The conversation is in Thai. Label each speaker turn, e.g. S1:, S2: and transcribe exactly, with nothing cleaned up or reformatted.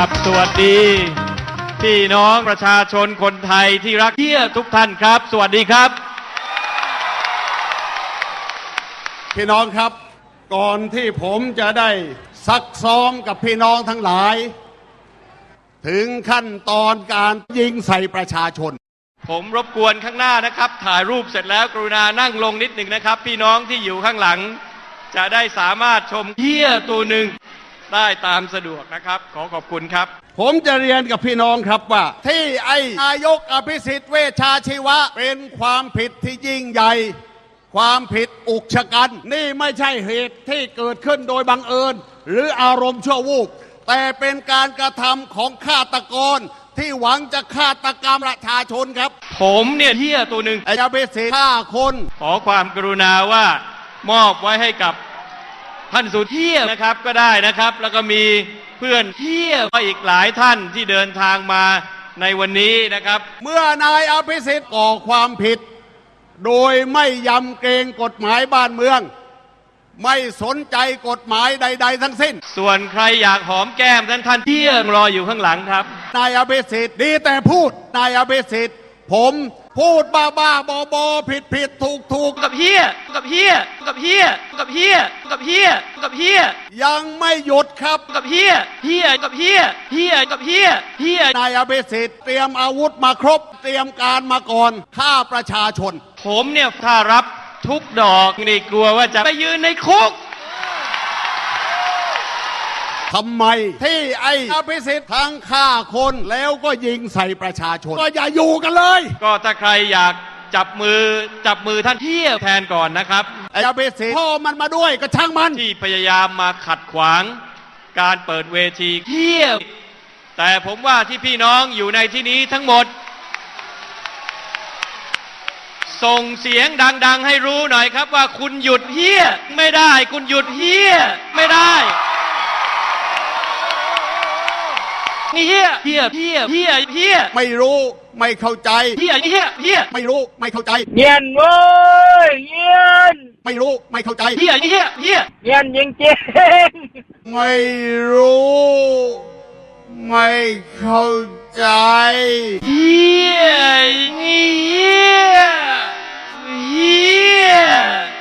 S1: บสวัสดีพี่น้องประชาชนคนไทยที่รักเที่ยวทุกท่านครับสวัสดีครับ
S2: พี่น้องครับก่อนที่ผมจะได้ซักซ้อมกับพี่น้องทั้งหลายถึงขั้นตอนการยิงใส่ประชาชน
S1: ผมรบกวนข้างหน้านะครับถ่ายรูปเสร็จแล้วกรุณานั่งลงนิดหนึ่งนะครับพี่น้องที่อยู่ข้างหลังจะได้สามารถชมเที่ยวตัวหนึ่งได้ตามสะดวกนะครับขอขอบคุณครับ
S2: ผมจะเรียนกับพี่น้องครับว่าที่ไอ้นายกอภิสิทธิ์เวชชาชีวะเป็นความผิดที่ยิ่งใหญ่ความผิดอุกชะกันนี่ไม่ใช่เหตุที่เกิดขึ้นโดยบังเอิญหรืออารมณ์ชั่ววูบแต่เป็นการกระทำของฆาตกรที่หวังจะฆาตกรรมประชาชนครับ
S1: ผมเนี่ยเที่ยตัวหนึ่ง
S2: ไอ้อภิสิทธิ์ฆ่าคน
S1: ขอความกรุณาว่ามอบไว้ให้กับท่านสุเที่ยนะครับก็ได้นะครับแล้วก็มีเพื่อนเที่ยอีกหลายท่านที่เดินทางมาในวันนี้นะครับ
S2: เมื่อนายอภิสิทธิ์ก่อความผิดโดยไม่ยำเกรงกฎหมายบ้านเมืองไม่สนใจกฎหมายใดๆทั้งสิ้น
S1: ส่วนใครอยากหอมแก้มท่านท่านเที่ยงรออยู่ข้างหลังครับ
S2: นายอภิสิทธิ์ดีแต่พูดนายอภิสิทธิ์ผมพูดบ้าบ้าบอบอผิดผิดถูกถูก
S1: กับเฮียกับเฮียกับเฮียกับเฮียกับเฮียกับเฮีย
S2: ยังไม่หยุดครับ
S1: กับเฮียเฮียกับเฮียเฮียกับเฮียเฮีย
S2: นายอภิสิทธิ์เตรียมอาวุธมาครบเตรียมการมาก่อนฆ่าประชาชน
S1: ผมเนี่ยถ้ารับทุกดอกนี่กลัวว่าจะไปยืนในคุก
S2: ทำไมที่ไอ้อภิสิทธิ์ทั้งฆ่าคนแล้วก็ยิงใส่ประชาชนก็อย่าอยู่กันเลย
S1: ก็ถ้าใครอยากจับมือจับมือท่านเที่ยวแทนก่อนนะครับ
S2: ไอ้อภิสิทธิ์พ่อมันมาด้วยก็ช่างมัน
S1: ที่พยายามมาขัดขวางการเปิดเวทีเที่ยวแต่ผมว่าที่พี่น้องอยู่ในที่นี้ทั้งหมดส่งเสียงดังๆให้รู้หน่อยครับว่าคุณหยุดเฮี้ยไม่ได้คุณหยุดเฮี้ยไม่ได้นี่เฮี้ยเฮี้ยเฮี้ยเฮี้ยเฮี้ย
S2: ไม่รู้ไม่เข้าใจ
S1: เฮี้ยเฮี้ยเฮี้ย
S2: ไม่รู้ไม่เข้าใจ
S3: เงียนเว้ยเงียน
S2: ไม่รู้ไม่เข้าใจ
S1: เฮี้ยเฮี้ยเฮี้ย
S3: เงียนจริงจริง
S2: ไม่รู้ไม่เข้าใจ
S1: เฮี้ยเฮี้ยเฮี้ย